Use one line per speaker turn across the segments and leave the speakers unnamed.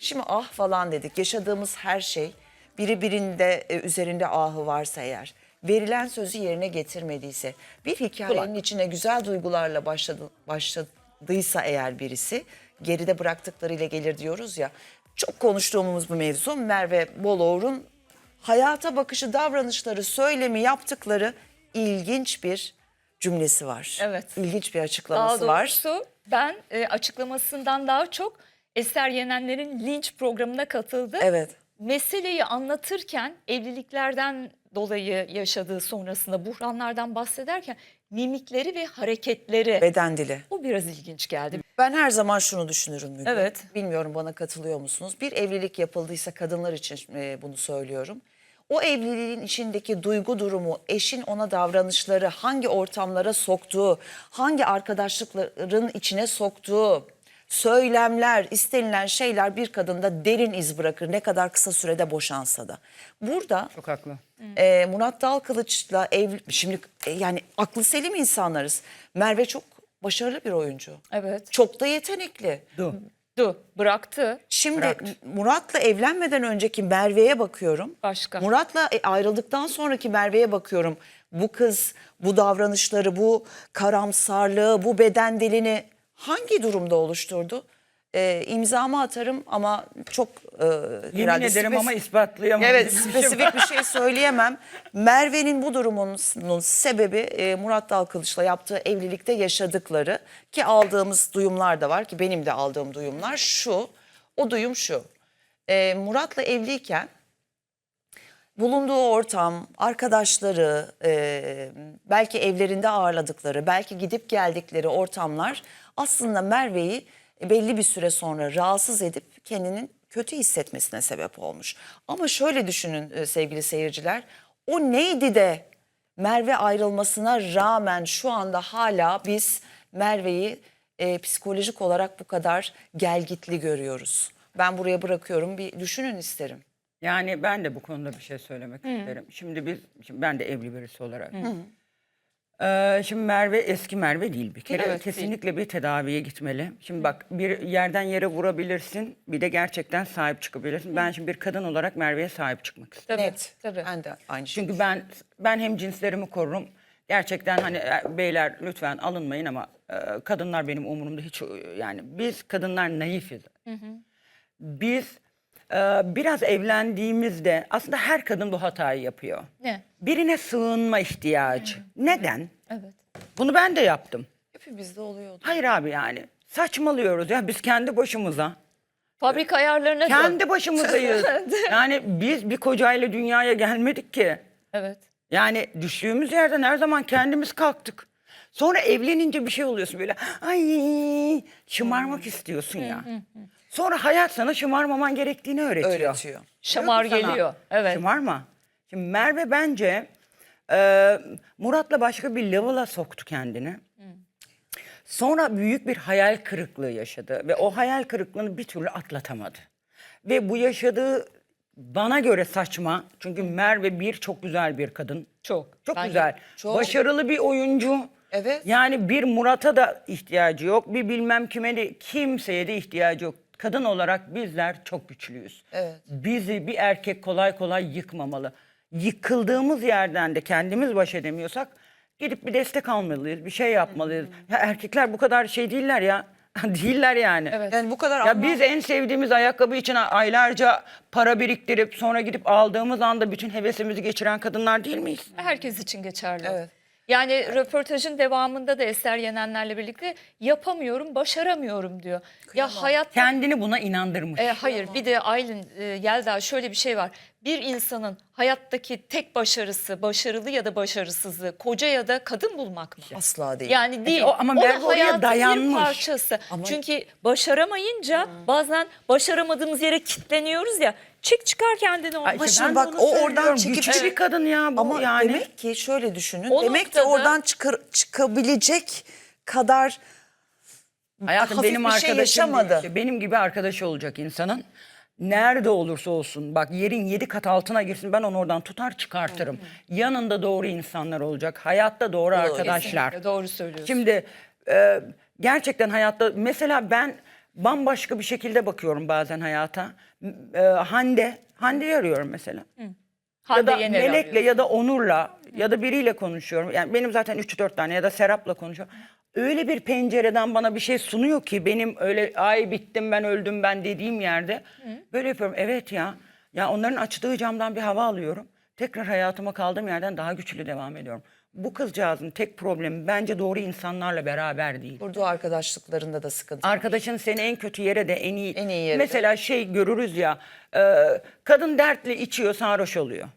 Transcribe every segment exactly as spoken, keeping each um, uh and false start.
Şimdi ah falan dedik. Yaşadığımız her şey biri birinde e, üzerinde ahı varsa eğer, verilen sözü yerine getirmediyse, bir hikayenin
Kulak.
içine güzel duygularla başladı, başladıysa eğer birisi, geride bıraktıklarıyla gelir diyoruz ya. Çok konuştuğumuz bu mevzu Merve Boluğur'un hayata bakışı, davranışları, söylemi, yaptıkları ilginç bir cümlesi var.
Evet.
İlginç bir
Daha
açıklaması var.
doğrusu ben e, açıklamasından daha çok Eser Yenenler'in linç programına katıldı.
Evet.
Meseleyi anlatırken evliliklerden dolayı yaşadığı sonrasında buhranlardan bahsederken mimikleri ve hareketleri
Beden dili.
o biraz ilginç geldi.
Ben her zaman şunu düşünürüm Müge.
Evet.
Bilmiyorum bana katılıyor musunuz? Bir evlilik yapıldıysa kadınlar için e, bunu söylüyorum. O evliliğin içindeki duygu durumu, eşin ona davranışları, hangi ortamlara soktuğu, hangi arkadaşlıkların içine soktuğu, söylemler, istenilen şeyler bir kadında derin iz bırakır. Ne kadar kısa sürede boşansa da. Burada
Çok haklı.
e, Murat Dalkılıç'la ev, şimdi e, yani aklı selim insanlarız. Merve çok başarılı bir oyuncu.
Evet.
Çok da yetenekli.
Du.
Du bıraktı.
Şimdi
Bıraktı.
Murat'la evlenmeden önceki Merve'ye bakıyorum.
Başka.
Murat'la e, ayrıldıktan sonraki Merve'ye bakıyorum. Bu kız, bu davranışları, bu karamsarlığı, bu beden dilini hangi durumda oluşturdu? E, imzamı atarım ama çok e,
Yemin
herhalde
ederim
spes-
ama ispatlayamam.
Evet,
gibi bir şey
spesifik
var.
bir şey söyleyemem. Merve'nin bu durumunun sebebi e, Murat Dalkılıç'la yaptığı evlilikte yaşadıkları, ki aldığımız duyumlar da var, ki benim de aldığım duyumlar şu. O duyum şu. E, Murat'la evliyken bulunduğu ortam, arkadaşları, e, belki evlerinde ağırladıkları, belki gidip geldikleri ortamlar aslında Merve'yi belli bir süre sonra rahatsız edip kendinin kötü hissetmesine sebep olmuş. Ama şöyle düşünün e, sevgili seyirciler, o neydi de Merve ayrılmasına rağmen şu anda hala biz Merve'yi e, psikolojik olarak bu kadar gelgitli görüyoruz. Ben buraya bırakıyorum, bir düşünün isterim.
Yani ben de bu konuda bir şey söylemek isterim. Şimdi biz, şimdi ben de evli birisi olarak. Ee, şimdi Merve eski Merve değil bir kere.
Evet,
Kesinlikle bir tedaviye gitmeli. Şimdi bak, bir yerden yere vurabilirsin, bir de gerçekten sahip çıkabilirsin. Ben şimdi bir kadın olarak Merve'ye sahip çıkmak istiyorum.
Tabii,
Net.
tabii.
Ben de aynı şey.
Çünkü ben ben hem cinslerimi korurum. Gerçekten hani e, beyler lütfen alınmayın ama e, kadınlar benim umurumda hiç, e, yani biz kadınlar naifiz. Biz e, biraz evlendiğimizde aslında her kadın bu hatayı yapıyor.
Ne?
Birine sığınma ihtiyacı. Neden?
Evet.
Bunu ben de yaptım.
Hepimizde oluyordu.
Hayır abi, yani saçmalıyoruz ya biz kendi başımıza.
Fabrika ayarlarına dön.
Kendi başımızdayız. Yani biz bir kocayla dünyaya gelmedik ki.
Evet.
Yani düştüğümüz yerden her zaman kendimiz kalktık. Sonra evlenince bir şey oluyorsun böyle, ay şımarmak istiyorsun ya. Sonra hayat sana şımarmaman gerektiğini öğretiyor.
Öğretiyor.
Şamar
Diyor ki sana,
geliyor. Evet.
Şımarma. Şimdi Merve bence e, Murat'la başka bir level'a soktu kendini. Sonra büyük bir hayal kırıklığı yaşadı ve o hayal kırıklığını bir türlü atlatamadı. Ve bu yaşadığı bana göre saçma. Çünkü Merve bir çok güzel bir kadın.
Çok.
Çok
Bence
güzel.
çok.
Başarılı bir oyuncu.
Evet.
Yani bir Murat'a da ihtiyacı yok. Bir bilmem kime de, kimseye de ihtiyacı yok. Kadın olarak bizler çok güçlüyüz.
Evet.
Bizi bir erkek kolay kolay yıkmamalı. Yıkıldığımız yerden de kendimiz baş edemiyorsak gidip bir destek almalıyız. Bir şey yapmalıyız. Ya erkekler bu kadar şey değiller ya. Değiller yani.
Evet.
Yani bu kadar
Ya
anlam-
biz en sevdiğimiz ayakkabı için aylarca para biriktirip sonra gidip aldığımız anda bütün hevesimizi geçiren kadınlar değil miyiz?
Herkes için geçerli.
Evet.
Yani röportajın devamında da Eser Yenenler'le birlikte yapamıyorum, başaramıyorum diyor. Ya hayat
Kendini buna inandırmış.
E, hayır, bir de Aylin, e, Yelda, şöyle bir şey var. Bir insanın hayattaki tek başarısı, başarılı ya da başarısızlığı koca ya da kadın bulmak mı?
asla değil.
Yani değil.
o- ama
o
Merve
da
oraya
hayatın
dayanmış.
bir parçası.
Ama-
Çünkü başaramayınca bazen başaramadığımız yere kilitleniyoruz ya. Çık çıkar kendini
Ay
orada.
işte
şimdi
ben de
bak,
onu
o oradan
söylüyorum.
çekip-
Güçlü
Evet.
bir kadın ya bu
Ama
yani.
demek ki şöyle düşünün.
O
demek ki
noktada-
oradan çıkar, çıkabilecek kadar
Hayatım
hafif
benim
bir şey
arkadaşım
yaşamadı.
değil işte. Benim gibi arkadaşı olacak insanın. Nerede olursa olsun, bak yerin yedi kat altına girsin, ben onu oradan tutar çıkartırım. Yanında doğru insanlar olacak. Hayatta doğru arkadaşlar.
Kesinlikle doğru söylüyorsun.
Şimdi e, gerçekten hayatta mesela ben bambaşka bir şekilde bakıyorum bazen hayata. E, Hande, Hande'yi arıyorum mesela.
Hande
Ya da
Yener'i
Melek'le
arıyorsun.
ya da Onur'la ya da biriyle konuşuyorum. Yani benim zaten üç dört tane ya da Serap'la konuşuyorum. Öyle bir pencereden bana bir şey sunuyor ki benim öyle ay bittim ben öldüm ben dediğim yerde böyle yapıyorum. Evet ya. Ya onların açtığı camdan bir hava alıyorum. Tekrar hayatıma kaldığım yerden daha güçlü devam ediyorum. Bu kızcağızın tek problemi bence doğru insanlarla beraber değil.
Kurduğu arkadaşlıklarında da sıkıntı.
Arkadaşın seni en kötü yere de en iyi.
En iyi yere de.
Mesela şey görürüz ya. e, kadın dertli içiyor sarhoş oluyor.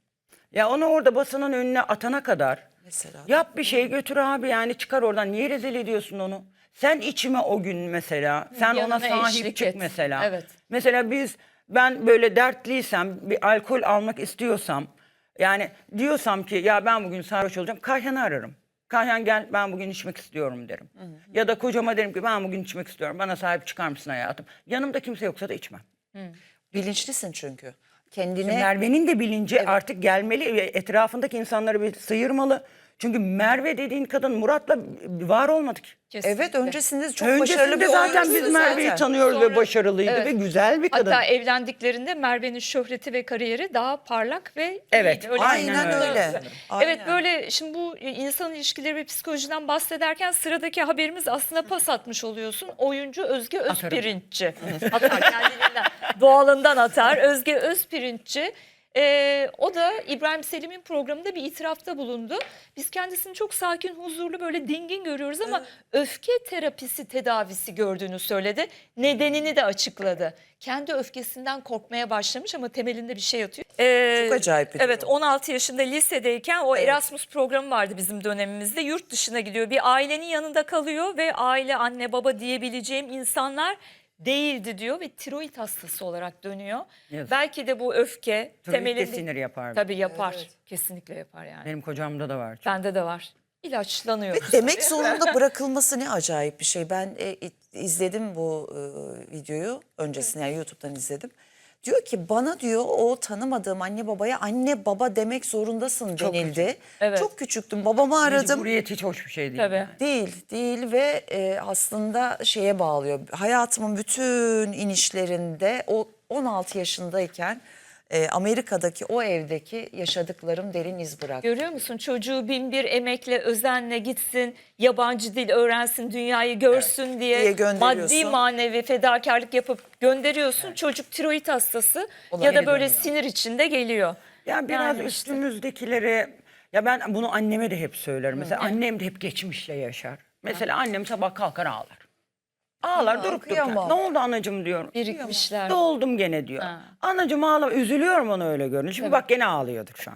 Ya onu orada basının önüne atana kadar
Mesela.
yap bir şey götür abi yani çıkar oradan. Niye rezil ediyorsun onu? Sen içime o gün mesela. Sen ona
yanına
sahip
eşlik
çık
et.
mesela.
Evet.
Mesela biz ben böyle dertliysem bir alkol almak istiyorsam yani diyorsam ki ya ben bugün sarhoş olacağım Kayhan'ı ararım. Kayhan gel ben bugün içmek istiyorum derim. Ya da kocama derim ki ben bugün içmek istiyorum. Bana sahip çıkar mısın hayatım? Yanımda kimse yoksa da içmem.
Bilinçlisin çünkü. Kendine
Merve'nin de bilinci artık gelmeli ve etrafındaki insanları bir sıyırmalı. Çünkü Merve dediğin kadın Murat'la var olmadık.
Kesinlikle.
evet öncesinde çok başarılı
Öncesinde
bir
zaten
oyuncusu
biz Merve'yi
zaten.
tanıyoruz
Sonra-
ve başarılıydı
Evet.
ve güzel bir kadın.
Hatta evlendiklerinde Merve'nin şöhreti ve kariyeri daha parlak ve
Evet,
iyiydi. Öyle
aynen
bir-
öyle.
Evet
Aynen.
böyle şimdi bu insan ilişkileri ve psikolojiden bahsederken sıradaki haberimiz aslında pas atmış oluyorsun. Oyuncu Özge Özpirinççi. Atar kendiliğinden, doğalından atar. Özge Özpirinççi. Ee, o da İbrahim Selim'in programında bir itirafta bulundu. Biz kendisini çok sakin, huzurlu, böyle dingin görüyoruz ama öfke terapisi tedavisi gördüğünü söyledi. Nedenini de açıkladı. Kendi öfkesinden korkmaya başlamış ama temelinde bir şey yatıyor. Ee,
Çok acayip bir
Evet
durum.
on altı yaşında lisedeyken o Erasmus programı vardı bizim dönemimizde. Yurt dışına gidiyor. Bir ailenin yanında kalıyor ve aile, anne, baba diyebileceğim insanlar değildi diyor ve tiroid hastası olarak dönüyor.
Yazık.
Belki de bu öfke
Tabii
temelinde
ki sinir yapar.
tabii yapar. Kesinlikle yapar yani.
Benim kocamda da var.
Bende de var. İlaçlanıyor.
demek zorunda bırakılması ne acayip bir şey. Ben e, izledim bu e, videoyu öncesinde yani YouTube'dan izledim. Diyor ki bana diyor o tanımadığım anne babaya anne baba demek zorundasın denildi.
Evet.
Çok küçüktüm babamı aradım.
Mecburiyet hiç hoş bir şey değil.
Tabii.
yani.
Değil, değil ve e, aslında şeye bağlıyor. Hayatımın bütün inişlerinde o on altı yaşındayken e, Amerika'daki o evdeki yaşadıklarım derin iz bıraktı.
Görüyor musun? Çocuğu bin bir emekle, özenle gitsin, yabancı dil öğrensin, dünyayı görsün diye,
Diye gönderiyorsun.
maddi manevi fedakarlık yapıp gönderiyorsun. Çocuk tiroid hastası
Ona
ya da
geri
böyle
dönüyor.
sinir içinde geliyor.
Ya biraz
Yani işte.
üstümüzdekileri ya ben bunu anneme de hep söylerim. Mesela annem de hep geçmişle yaşar. Mesela annem sabah kalkar ağlar. Ağlar
Ya,
durup dururken.
kıyamam.
Ne oldu anacığım diyorum.
Birikmişler.
Ne oldum gene diyor.
Ha.
Anacığım ağlama. Üzülüyorum onu öyle görünce. Şimdi bak gene ağlıyordur şu an.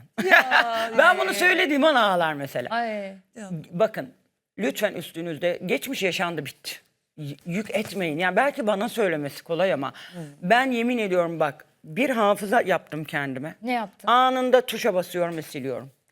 Ben bunu söylediğim an ağlar mesela.
Ay.
Bakın lütfen üstünüzde geçmiş yaşandı bitti. Y- Yük etmeyin. Yani belki bana söylemesi kolay ama ben yemin ediyorum bak bir hafıza yaptım kendime.
Ne yaptın?
Anında tuşa basıyorum ve siliyorum.